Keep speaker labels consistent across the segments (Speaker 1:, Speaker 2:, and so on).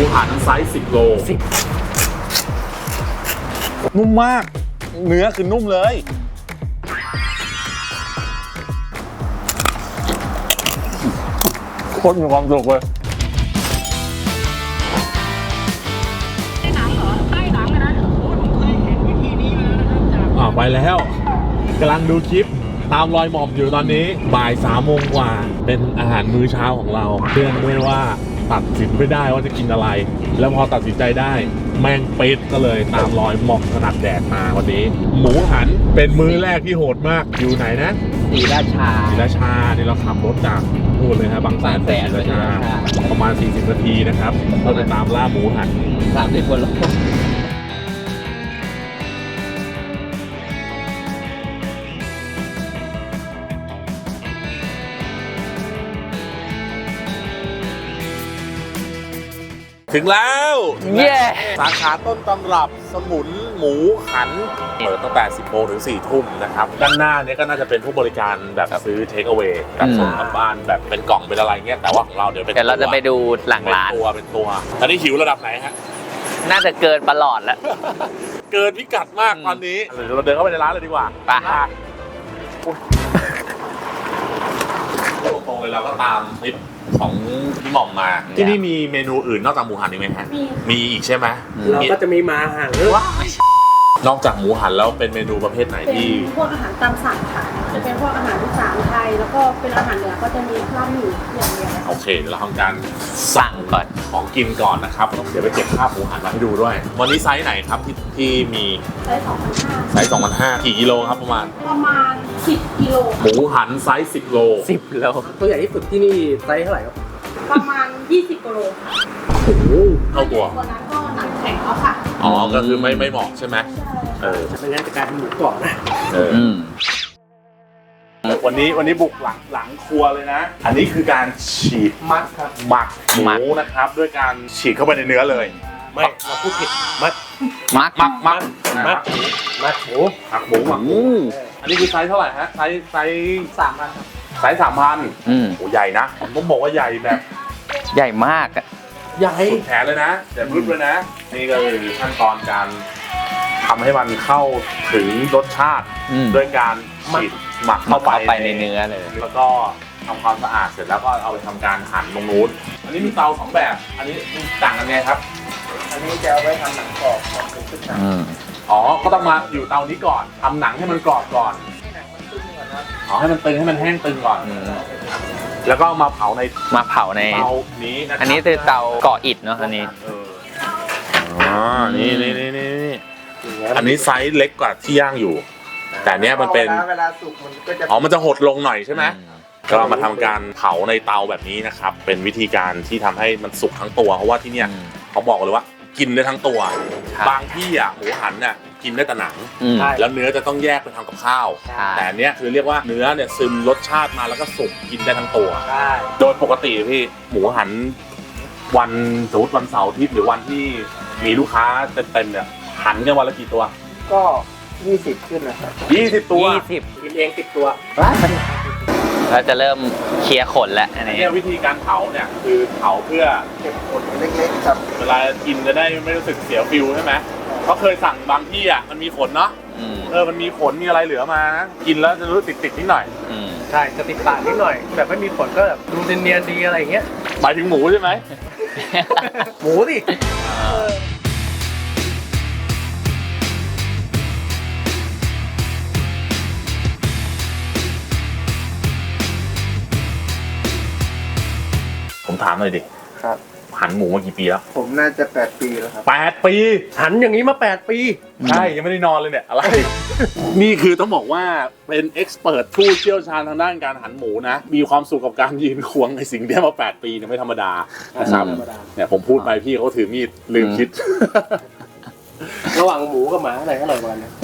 Speaker 1: หันไซส์10 โลนุ่มมากเนื้อคือนุ่มเลยโคตรมีความสุขเลยใต้หนังเหรอใต้หนังเลยนะโอ้ยผมเคยเห็นวิธีนี้มานะครับไปแล้วกำลังดูคลิปตามรอยหม่อมอยู่ตอนนี้บ่าย3 โมงกว่าเป็นอาหารมื้อเช้าของเราเชื่อด้วยว่าตัดสินไม่ได้ว่าจะกินอะไรแล้วพอตัดสินใจได้แม่งเป็ดก็เลยตามรอยหม่อมถนัดแดดมาวันนี้หมูหันเป็นมื้อแรกที่โหดมากอยู่ไหนนะศรีราชานี่เราขับรถจากพูดเลยครับบางแสนศรีราชาประมาณ40 นาทีนะครับเราจะตามล่าหมูหัน30 กว่าโลถึงแล้วสาขาต้นตำรับสมุนหมูหันเปิดตั้งแต่10 โมงถึง 4 ทุ่มนะครับด้านหน้านี้ก็น่าจะเป็นผู้บริการแบบซื้อเทคเอาเวย์กับส่งกลับบ้านแบบเป็นกล่องเป็นอะไรเงี้ยแต่ว่าของเราเดี๋ยวเราจะไปดูหลังร้านเป็นตัวตอนนี้หิวระดับไหนฮะ
Speaker 2: น่าจะเกินประหลอดแล้ว
Speaker 1: เกินพิกัดมากตอนนี้เดี๋ยวเราเดินเข้าไปในร้านเลยดีกว่าไปตรงๆเลยเราก็ตามคลิปของพี่หม่อมมาที่นี่มีเมนูอื่นนอกจากหมูหันอีกไหมฮะมีอีกใช่ไหม
Speaker 3: เราก็จะมีมาหัน
Speaker 1: นอกจากหมูหันแล้วเป็นเมนูประเภทไหนที่
Speaker 4: เป็นพวกอาหารตามสั่งค่ะจะเป็นพวกอาหารอีสานไทยแล้วก็เป็นอาหารเหนือก็จะมีลาบหมี่อย่างเดียว
Speaker 1: โอเคเดี๋ยวเราทำการสั่งก่อนของกินก่อนนะครับเดี๋ยวไปเก็บภาพหมูหันมาให้ดูด้วยวันนี้ไซส์ไหนครับที่มี
Speaker 4: ไซส์2,500
Speaker 1: ไซส์2,500กี่กิโลครับประมาณ
Speaker 4: 10 กิโล
Speaker 1: หมูหันไซส์10 โล
Speaker 3: ตัวใหญ่ที่สุดที่นี่ไซส์เท่าไหร่ครับ
Speaker 4: ประมาณ20 กิโลค่ะ
Speaker 1: โอ้โหเท่าตัว
Speaker 4: ตัวนั้นก็หนังแข็งแล้วค่ะ
Speaker 1: อ๋อก็คือไม่เหมาะใช่ไหม
Speaker 3: ไม่งั้นจะกลายเป็นหมูกรอบนะ
Speaker 1: วันนี้บุกหลังครัวเลยนะอันนี้คือการฉีด
Speaker 3: มัดครับ
Speaker 1: หมักหมูนะครับด้วยการฉีดเข้าไปในเนื้อเลย
Speaker 3: ไม่เราพูดผิดมัด
Speaker 1: หมูหมักหมูอันนี้คือไซส์เท่าไหร่ฮะไซส์
Speaker 3: 3,000ครับ
Speaker 1: ไซส์3,000โอ้ใหญ่นะผมต้องบอกว่าใหญ่แบบ
Speaker 2: ใหญ่มากอะ
Speaker 1: ใหญ่สุดแขนเลยนะแต่รึบเลยนะนี่ก็คือขั้นตอนการทำให้มันเข้าถึงรสชาติด้วยการฉีดหมักเข้าไป
Speaker 2: ในเนื้อเลย
Speaker 1: แล้วก็ทำความสะอาดเสร็จแล้วก็เอาไปทำการหั่นตรงนู้นอันนี้มีเตา2 แบบอันนี้ต่างกันไงครับ
Speaker 3: อันนี้จะเอาไว้ทำหนังกรอบของขึ้นหนัง
Speaker 1: อ๋อก็ต้องมาอยู่เตานี้ก่อนทำหนังให้มันกรอบก่อนให้มันตึงให้มันแห้งตึงก่อนแล้วก็มาเผาใน
Speaker 2: เตา
Speaker 1: นี้
Speaker 2: อันนี้คือเตาก่ออิฐเนาะอันนี้
Speaker 1: นี่อันนี้ไซส์เล็กกว่าที่ย่างอยู่แต่เนี้ยมันเป็น
Speaker 3: เวลาสุกมันก็จะ
Speaker 1: มันจะหดลงหน่อยใช่ไหมก็มาทำการเผาในเตาแบบนี้นะครับเป็นวิธีการที่ทำให้มันสุกทั้งตัวเพราะว่าที่เนี้ยเขาบอกเลยว่ากินได้ทั้งตัวบางที่หมูหันน่ะกินได้แต่หนังแล้วเนื้อจะต้องแยกไปทำกับข้าวแต่เนี้ยคือเรียกว่าเนื้อเนี่ยซึมรสชาติมาแล้วก็สุกกินได้ทั้งตัวโดยปกติพี่หมูหันวันสมมติวันเสาร์อาทิตย์หรือวันที่มีลูกค้าเต็มเนี่ยหันกันวันละกี่ตัว
Speaker 3: ก็20ขึ้นนะครับ
Speaker 1: 20 ตัว
Speaker 3: กินเอง10 ตัว
Speaker 2: เราจะเริ่มเคลียร์ขนแล้วอันนี้
Speaker 1: วิธีการเผาเนี่ยคือเผาเพื่อ
Speaker 3: เก็บขนเล็กๆครับ
Speaker 1: เวลากินจะได้ไม่รู้สึกเสียฟิลใช่ไหมเขาเคยสั่งบางที่มันมีขนเนาะมันมีขนมีอะไรเหลือมานะกินแล้วจะรู้ติดนิดหน่อย
Speaker 3: ใช่จะติดปากนิดหน่อยแบบไม่มีขนก็แบบดูเนียนๆดีอะไรอย่างเงี้ย
Speaker 1: หมายถึงหมูใช่ไหม
Speaker 3: หมูดิ
Speaker 1: ผมถามหน่อยดิ
Speaker 3: ครับ
Speaker 1: หันหมูมากี่ปีแล้ว
Speaker 3: ผมน่าจะ8 ปีแล้วครับ
Speaker 1: 8 ปี
Speaker 3: หันอย่างนี้มา8 ปี
Speaker 1: ใช่ยังไม่ได้นอนเลยเนี่ยอะไรนี่คือต้องบอกว่าเป็นเอ็กซ์เพิร์ทผู้เชี่ยวชาญทางด้านการหันหมูนะมีความสุขกับการยืนควงในสิ่งที่มา8 ปีเนี่ยไม่ธรรมดานะครับเนี่ยผมพูดไปพี่เขาถือมีดลืมคิด
Speaker 3: ระหว่างหมูกับหมาอะไรอร่อยกว่ากัน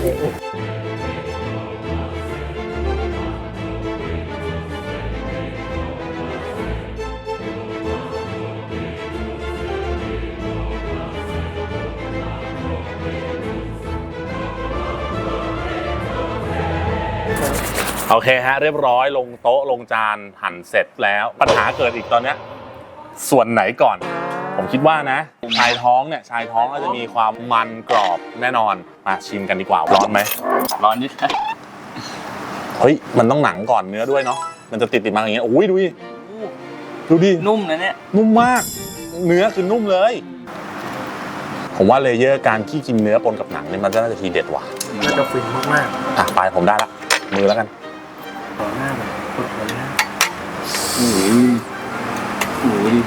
Speaker 1: โอเคฮะเรียบร้อยลงโต๊ะลงจานหั่นเสร็จแล้วปัญหาเกิดอีกตอนนี้ส่วนไหนก่อนผมคิดว่านะชายท้องเนี่ยชายท้องก็จะมีความมันกรอบแน่นอนมาชิมกันดีกว่าร้อนไหม
Speaker 2: ร้อนนิด
Speaker 1: เฮ้ยมันต้องหนังก่อนเนื้อด้วยเนาะมันจะติดมาอย่างเงี้ยโอ้ยดูดิดูดิ
Speaker 2: นุ่มนะเนี่ย
Speaker 1: นุ่มมากเนื้อคือนุ่มเลยผมว่าเลเยอร์การที่กินเนื้อปนกับหนังเนี่ยมันจะน่าจะทีเด็ดว่ะ
Speaker 3: น่าจะฟินมาก
Speaker 1: อ่ะไปผมได้ละมือแล้วกัน
Speaker 3: ๆต่อหน้าแบบกดเลยนะ
Speaker 2: โอ้ยโอ้ย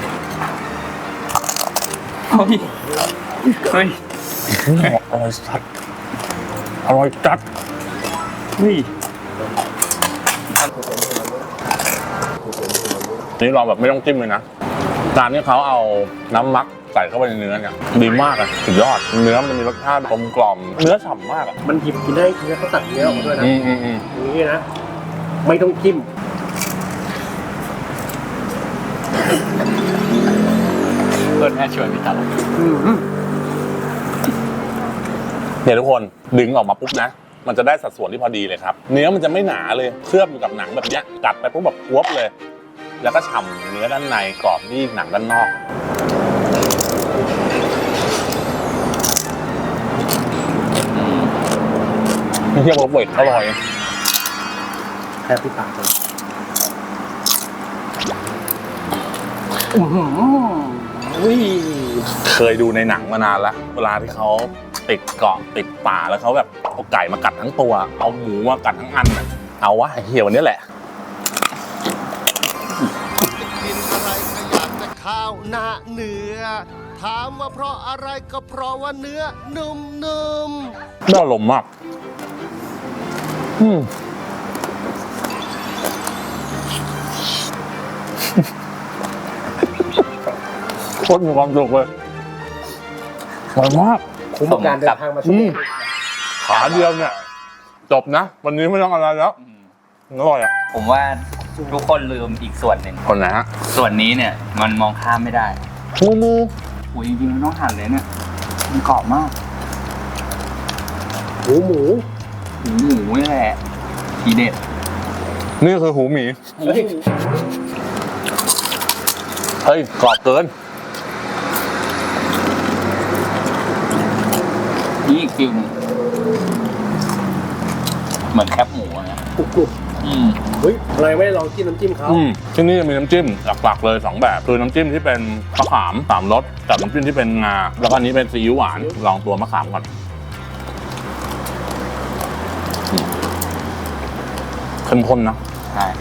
Speaker 2: เฮ้ย
Speaker 1: อร่อยสัดอร่อยจัด
Speaker 2: เฮ้ย
Speaker 1: นี่ลองแบบไม่ต้องจิ้มเลยนะการที่เขาเอาน้ำมักใส่เข้าไปในเนื้อเนี่ยดีมากอะสุดยอดเนื้อมันจะมีรสชาติกลมกล่อมเนื้อฉ่ำมากอะ
Speaker 3: มันหยิบกินได้ทีนี้เขาตัดเนื้อออกมาด้วยนะ อย่างนี้นะ ไม่ต้องจิ้ม
Speaker 2: เพื่อนแม่ชวนพี่ตัด
Speaker 1: เนี่ยทุกคนดึงออกมาปุ๊บนะมันจะได้สัดส่วนที่พอดีเลยครับเนื้อมันจะไม่หนาเลยเคลือบอยู่กับหนังแบบเนี้ยกัดไปปุ๊บแบบกรวบเลย แล้วก็ฉ่ำเนื้อด้านในกรอบที่หนังด้านนอกนี่เรียกว่าเวทอร่อย
Speaker 3: แค่พี่ปากเลย
Speaker 1: เคยดูในหนังมานานละเวลาที่เขาติดเกาะติดป่าแล้วเขาแบบเอาไก่มากัดทั้งตัวเอาหมูมากัดทั้งอันน่ะเอาวะไอ้เหี้ยวันนี้แหละ
Speaker 5: กินอะไรก็อยากจะข้าวหน้าเนื้อ ถามว่าเพราะอะไรก็เพราะว่าเนื้อนุ่มๆ
Speaker 1: ได้อารมณ์มากโคตรมีความสุขเลยอร่อยมาก
Speaker 3: คุ้มกับการเดินทางมาที่นี่
Speaker 1: ขาเดียวเนี่ย จบนะ วันนี้ไม่ต้องอะไรแล้วอร่อยอ่ะ
Speaker 2: ผมว่าทุกคนลืมอีกส่วนหนึ่ง
Speaker 1: คนไหนฮะ
Speaker 2: ส่วนนี้เนี่ยมันมองข้ามไม่ได้
Speaker 1: หมู
Speaker 2: โอ้ยจริงๆมันต้องหั่นเลยเนี่ยมันกรอบมาก
Speaker 3: หมู
Speaker 2: หมูนี่แหละทีเด็ด
Speaker 1: นี่คือหูหมี
Speaker 3: เฮ้ย
Speaker 1: เฮ้ยกรอบเกิน
Speaker 2: นี่อีกฟิลหนึงเหมือนแคบหมูอะนะ
Speaker 3: กรุบ เฮ้ยอะไรไม่ได้ลองจิ้มน้ำจิ้มเขา
Speaker 1: ที่นี่จะมีน้ำจิ้มหลักๆเลย2แบบคือน้ำจิ้มที่เป็นมะขาม3รสกับน้ำจิ้มที่เป็นงาแล้วก็อันนี้เป็นซีอิ๊วหวานลองตัวมะขามก่อนเข้มข้นนะ
Speaker 2: ใช่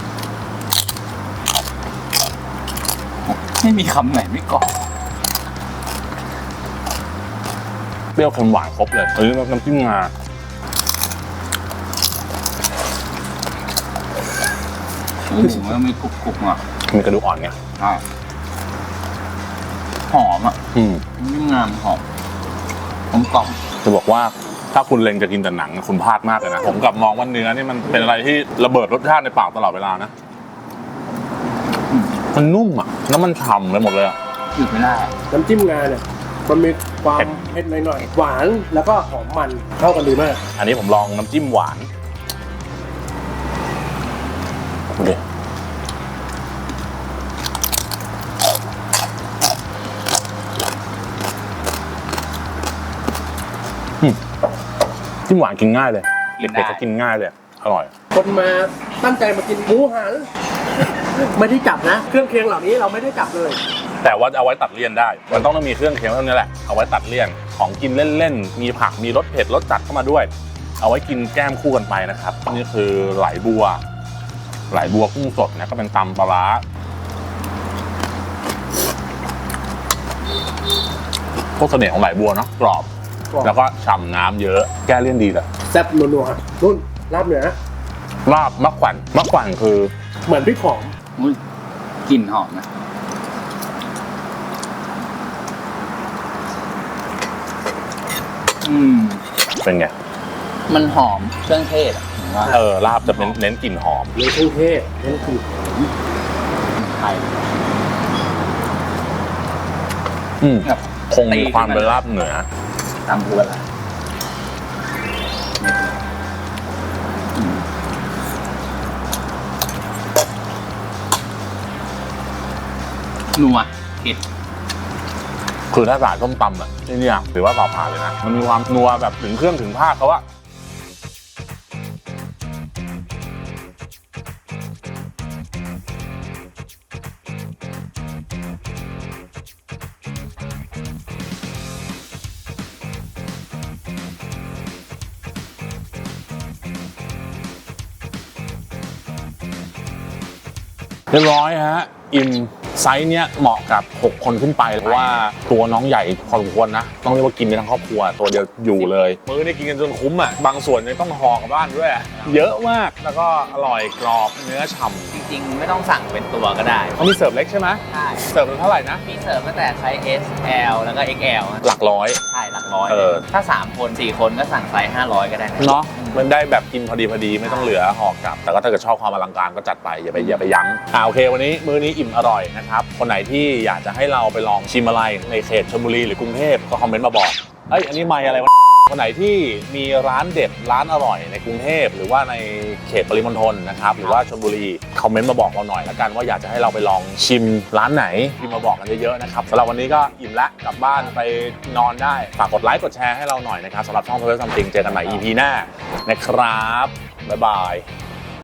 Speaker 2: ไม่มีคำไหนไม่กรอบ
Speaker 1: เปรี้ยวเค็มหวานครบเลยอันนี้น้ำจิ้มงา
Speaker 2: หมูมันมีกรุบๆอ่ะ
Speaker 1: มีกระดูกอ่อนไง
Speaker 2: ใช่หอมอ่ะนี่งามหอมกล่อม
Speaker 1: จะบอกว่าถ้าคุณเล็งจะกินแต่หนังคุณพลาดมากเลยนะผมกลับมองว่าเนื้อนี่มันเป็นอะไรที่ระเบิดรสชาติในปากตลอดเวลานะมันนุ่มอ่ะแล้วมันฉ่ำไปหมดเลยอ่ะ
Speaker 2: หยุดไม่ได้
Speaker 3: น้ำจิ้มงาเนี่ย มันมีความเผ็ดหน่อยๆ หวานแล้วก็หอมมันเข้ากันดีมาก
Speaker 1: อันนี้ผมลองน้ำจิ้มหวานดูดิจิ้มหวานกินง่ายเลยเด็กๆก็กินง่ายเลยอร่อย
Speaker 3: คนมาตั้งใจมากินหมูหัน ไม่ได้จับนะ เครื่องเคียงเหล่านี้เราไม่ได้จับเลย
Speaker 1: แต่ว่าเอาไว้ตัดเลี่ยนได้มันต้องมีเครื่องเคียงเท่านี้แหละเอาไว้ตัดเลี่ยนของกินเล่นๆมีผักมีรสเผ็ดรสจัดเข้ามาด้วยเอาไว้กินแก้มคู่กันไปนะครับนี่คือไหลบัวกุ้งสดนะก็เป็นตำปลาร้าพวกเสน่ห์ของไหลบัวเนาะกรอบแล้วก็ฉ่ำน้ำเยอะแก้เลี่ยนดีเลย
Speaker 3: แซ่บนัวๆนุ่นลาบเหนือ
Speaker 1: ลาบมะขวัญคือ
Speaker 3: เหมือนพริกหอม
Speaker 2: อุ๊ยกลิ่นหอมนะ
Speaker 1: เป็นไง
Speaker 2: มันหอมเครื่องเทศอ่ะผมว่า
Speaker 1: ลาบจะเน้นกลิ่นหอม
Speaker 3: ในเครื่องเทศนั่นคือ
Speaker 2: ไทย แบบ
Speaker 1: คงมีความเป็นลาบเหนือ
Speaker 2: ตามบัวละนัวเผ็ด
Speaker 1: คือถ้าสายส้มตำอ่ะนี่เนี่ยถือว่าต่อผ่านเลยนะมันมีความนัวแบบถึงเครื่องถึงภาคเขาอะเรียบร้อยฮะอิ่มไซส์เนี้ยเหมาะกับ6คนขึ้นไปเพราะว่าตัวน้องใหญ่พอสมควรนะต้องเรียกว่ากินได้ทั้งครอบครัวตัวเดียวอยู่เลยมื้อนี้กินกันจนคุ้มอ่ะบางส่วนยังต้องห่อกลับบ้านด้วยเยอะมากแล้วก็อร่อยกรอบเนื้อฉ่ำ
Speaker 2: จริงๆ ไม่ต้องสั่งเป็นตัวก็ได้
Speaker 1: ต้องมีเสิร์ฟเล็กใช่ไหม
Speaker 2: ใช่
Speaker 1: เสิร์ฟเท่าไหร่นะ
Speaker 2: มีเสิร์ฟตั้งแต่ไซส์ S L แล้วก็ XL อะ
Speaker 1: หลักร้อย
Speaker 2: ใช่หลักร้อย
Speaker 1: เออ
Speaker 2: ถ้า 3 คน 4 คนก็สั่งไซส์500 ก็ได้นะ
Speaker 1: เนาะมันได้แบบกินพอดีไม่ต้องเหลือห่อกลับ แต่ก็ถ้าเกิดชอบความอลังการก็จัดไปอย่าไปยั้งโอเควันนี้มื้อนี้อิ่มอร่อยนะครับคนไหนที่อยากจะให้เราไปลองชิมอะไรในเขตชลบุรีหรือกรุงเทพก็คอมเมนต์มาบอกเอ้ยอันนี้ไม่อะไรวะคนไหนที่มีร้านเด็ดร้านอร่อยในกรุงเทพหรือว่าในเขตปริมณฑลนะครับหรือว่าชลบุรีคอมเมนต์มาบอกเราหน่อยละกันว่าอยากจะให้เราไปลองชิมร้านไหนพิมพ์มาบอกกันเยอะๆนะครับสำหรับวันนี้ก็อิ่มละกลับบ้านไปนอนได้ฝากกดไลค์กดแชร์ให้เราหน่อยนะครับสำหรับช่อง Travel Something เจอกันใหม่ EP หน้านะครับบ๊ายบาย